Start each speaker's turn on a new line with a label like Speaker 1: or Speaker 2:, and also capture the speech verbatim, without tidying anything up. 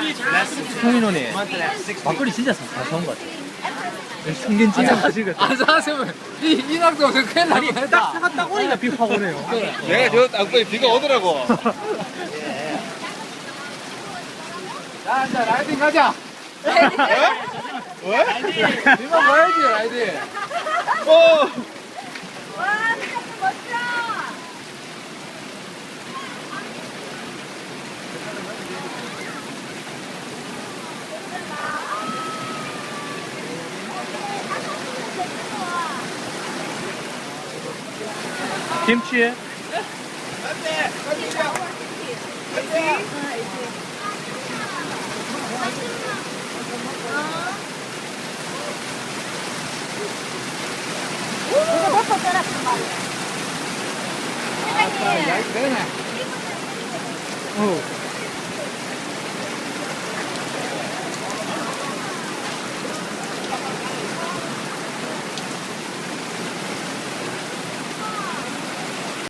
Speaker 1: 성인원이 막걸리 진짜 사- 사서운 것 같아. 성견 진짜 가시겠다.
Speaker 2: 안 사세면 이 이낙도 큰일 날
Speaker 1: 아니 딱
Speaker 2: 뻔했다.
Speaker 1: 차가 딱 오니까 비 확 오네요.
Speaker 3: 내가 저 땅속에 비가 오더라고.
Speaker 2: 자, 이제 라이딩 가자.
Speaker 3: 왜?
Speaker 2: 이거 뭐야지 라이딩.
Speaker 3: 어.
Speaker 4: 와, 진짜 멋져.
Speaker 1: 김치.
Speaker 4: 이거 먹고 떠났단 말이야.
Speaker 2: 야, 이거 되네.